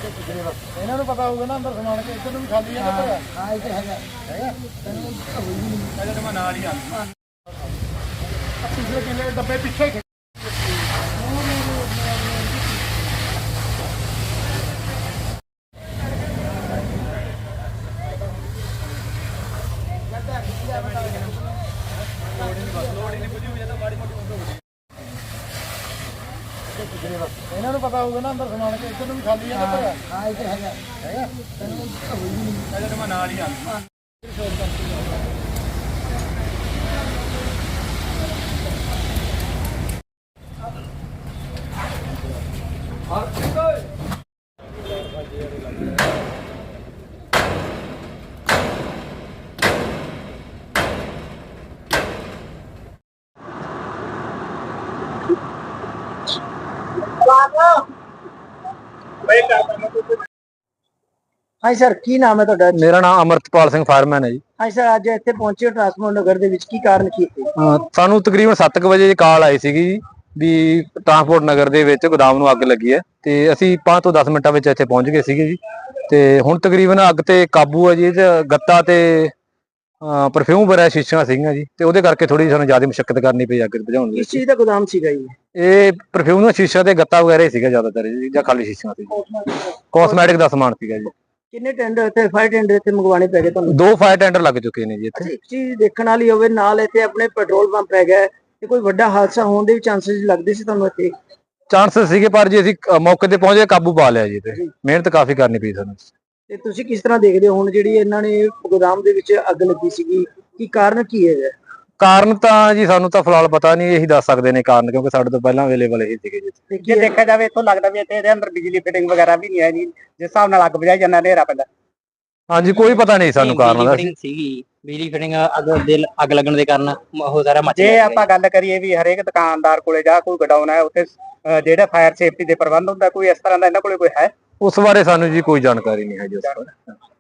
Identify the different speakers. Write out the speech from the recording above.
Speaker 1: ਇਹਨਾਂ ਨੂੰ ਪਤਾ ਹੋਊਗਾ ਨਾ ਅੰਦਰ ਸਮਾਨ ਕੇ ਇੱਧਰ ਨੂੰ ਵੀ ਖਾਲੀ ਹੈ ਨਾ। ਹਾਂ ਇੱਥੇ ਹੈਗਾ ਤੈਨੂੰ ਮੈਂ ਨਾਲ ਹੀ ਆ ਪਿਛਲੇ ਕਿਲੇ ਡੱਬੇ ਪਿੱਛੇ ਇਹਨਾਂ ਨੂੰ ਪਤਾ ਹੋਊਗਾ ਨਾ ਅੰਦਰ ਸਮਾਨ ਕੇ ਇੱਧਰ ਨੂੰ ਵੀ ਖਾਲੀ ਹੈ ਨਾ। ਹਾਂ ਇੱਥੇ ਹੈਗਾ ਤੈਨੂੰ ਮੈਂ ਨਾਲ ਹੀ ਆ
Speaker 2: ਹਾਂਜੀ ਸਰ, ਕੀ ਨਾਮ ਹੈ ਤੁਹਾਡਾ?
Speaker 3: ਮੇਰਾ ਨਾਮ ਅਮਰਤਪਾਲ ਸਿੰਘ ਫਾਇਰਮੈਨ ਹੈ ਜੀ।
Speaker 2: ਹਾਂਜੀ ਸਰ, ਅੱਜ ਇੱਥੇ ਪਹੁੰਚੇ ਹੋ ਟਰਾਂਸਪੋਰਟ ਨਗਰ ਦੇ ਵਿੱਚ, ਕੀ ਕਾਰਨ ਕੀ ਸੀ?
Speaker 3: ਸਾਨੂੰ ਤਕਰੀਬਨ 7 ਵਜੇ ਕਾਲ ਆਈ ਸੀਗੀ ਜੀ ਵੀ ਟਰਾਂਸਪੋਰਟ ਨਗਰ ਦੇ ਵਿੱਚ ਗੋਦਾਮ ਨੂੰ ਅੱਗ ਲੱਗੀ ਹੈ ਤੇ ਅਸੀਂ 5 ਤੋਂ 10 ਮਿੰਟਾਂ ਵਿੱਚ ਇੱਥੇ ਪਹੁੰਚ ਗਏ ਸੀਗੇ ਜੀ। ਤੇ ਹੁਣ ਤਕਰੀਬਨ ਅੱਗ ਤੇ ਕਾਬੂ ਹੈ ਜੀ। ਇਹ 'ਚ ਗੱਤਾ ਤੇ ਪਰਫਿਊਮ ਵਗੈਰਾ ਸ਼ੀਸ਼ੀਆਂ ਸੀਗੀਆਂ ਜੀ, ਤੇ ਉਹਦੇ ਕਰਕੇ ਥੋੜੀ ਸਾਨੂੰ ਜ਼ਿਆਦਾ ਮੁਸ਼ਕਲ ਕਰਨੀ ਪਈ ਅੱਗ ਬੁਝਾਉਣ ਲਈ।
Speaker 2: ਕਿਸ ਚੀਜ਼ ਦਾ ਗੋਦਾਮ ਸੀਗਾ ਜੀ?
Speaker 3: ਇਹ ਪਰਫਿਊਮ ਦਾ ਸ਼ੀਸ਼ਾ ਤੇ ਗੱਤਾ ਵਗੈਰਾ ਹੀ ਸੀਗਾ ਜ਼ਿਆਦਾਤਰ ਜੀ, ਜਾਂ ਖਾਲੀ ਸ਼ੀਸ਼ੀਆਂ ਸੀ। ਕਾਸਮੈਟਿਕ ਦਾ ਸਮਾਨ ਸੀਗਾ ਜੀ।
Speaker 2: ਕਿੰਨੇ ਟੈਂਡਰ ਇੱਥੇ ਫਾਇਰ ਟੈਂਡਰ ਇੱਥੇ ਮੰਗਵਾਉਣੇ ਪੈ ਗਏ ਤੁਹਾਨੂੰ?
Speaker 3: 2 ਫਾਇਰ ਟੈਂਡਰ ਲੱਗ ਚੁੱਕੇ ਨੇ ਜੀ ਇੱਥੇ।
Speaker 2: ਇੱਕ ਚੀਜ਼ ਦੇਖਣ ਵਾਲੀ ਹੋਵੇ, ਨਾਲ ਇੱਥੇ ਆਪਣੇ ਪੈਟਰੋਲ ਪੰਪ ਹੈਗਾ ਤੇ ਕੋਈ ਵੱਡਾ ਹਾਦਸਾ ਹੋਣ ਦੇ ਵੀ ਚਾਂਸਸ ਲੱਗਦੇ ਸੀ ਤੁਹਾਨੂੰ ਇੱਥੇ?
Speaker 3: ਚਾਂਸਸ ਸੀਗੇ, ਪਰ ਜੀ ਅਸੀਂ ਮੌਕੇ ਤੇ ਪਹੁੰਚੇ, ਕਾਬੂ ਪਾ ਲਿਆ ਜੀ। ਤੇ ਮਿਹਨਤ ਕਾਫੀ ਕਰਨੀ ਪਈ ਸਾਨੂੰ।
Speaker 2: ਤੇ ਤੁਸੀਂ ਕਿਸ ਤਰ੍ਹਾਂ ਦੇਖਦੇ ਹੋ ਹੁਣ ਜਿਹੜੀ ਇਹਨਾਂ ਨੇ ਗੋਦਾਮ ਦੇ ਵਿੱਚ ਅੱਗ ਲੱਗੀ ਸੀਗੀ, ਕੀ ਕਾਰਨ ਕੀ ਹੈ?
Speaker 3: ਕਾਰਨ ਤਾਂ ਜੀ ਸਾਨੂੰ ਤਾਂ ਫਿਲਹਾਲ ਪਤਾ ਨਹੀਂ, ਇਹੀ ਦੱਸ ਸਕਦੇ ਨੇ ਕਾਰਨ, ਕਿਉਂਕਿ ਸਾਡੇ ਤੋਂ ਪਹਿਲਾਂ ਅਵੇਲੇਬਲ ਇਹੀ ਸੀਗੇ ਜੀ।
Speaker 2: ਜੇ ਦੇਖਿਆ ਜਾਵੇ ਇੱਥੋਂ ਲੱਗਦਾ ਵੀ ਇੱਥੇ ਇਹਦੇ ਅੰਦਰ ਬਿਜਲੀ ਫਿਟਿੰਗ ਵਗੈਰਾ ਵੀ ਨਹੀਂ ਹੈ ਜੀ, ਜਿਸ ਹਿਸਾਬ ਨਾਲ ਅੱਗ ਬੁਝਾਈ ਜਾਂਦਾ ਹਨੇਰਾ ਪੈਂਦਾ।
Speaker 3: ਹਾਂਜੀ, ਕੋਈ ਪਤਾ ਨਹੀਂ ਸਾਨੂੰ ਕਾਰਨ ਦਾ।
Speaker 4: ਸੀਗੀ ਬਿਜਲੀ ਫਿਟਿੰਗ ਅੱਗ ਲੱਗਣ ਦੇ ਕਾਰਨ ਉਹ ਸਾਰਾ ਮੱਚ
Speaker 2: ਜੇ
Speaker 4: ਗਿਆ।
Speaker 2: ਆਪਾਂ ਗੱਲ ਕਰੀਏ ਵੀ ਹਰੇਕ ਦੁਕਾਨਦਾਰ ਕੋਲੇ ਜਾਂ ਕੋਈ ਗਡਾਊਨ ਹੈ ਉੱਥੇ ਜਿਹੜਾ ਫਾਇਰ ਸੇਫਟੀ ਦੇ ਪ੍ਰਬੰਧ ਹੁੰਦਾ, ਕੋਈ ਇਸ ਤਰ੍ਹਾਂ ਦਾ ਇਹਨਾਂ ਕੋਲੇ ਕੋਈ ਹੈ?
Speaker 3: ਉਸ ਬਾਰੇ ਸਾਨੂੰ ਜੀ ਕੋਈ ਜਾਣਕਾਰੀ ਨਹੀਂ ਹੈ ਜੀ ਉਸ ਬਾਰੇ।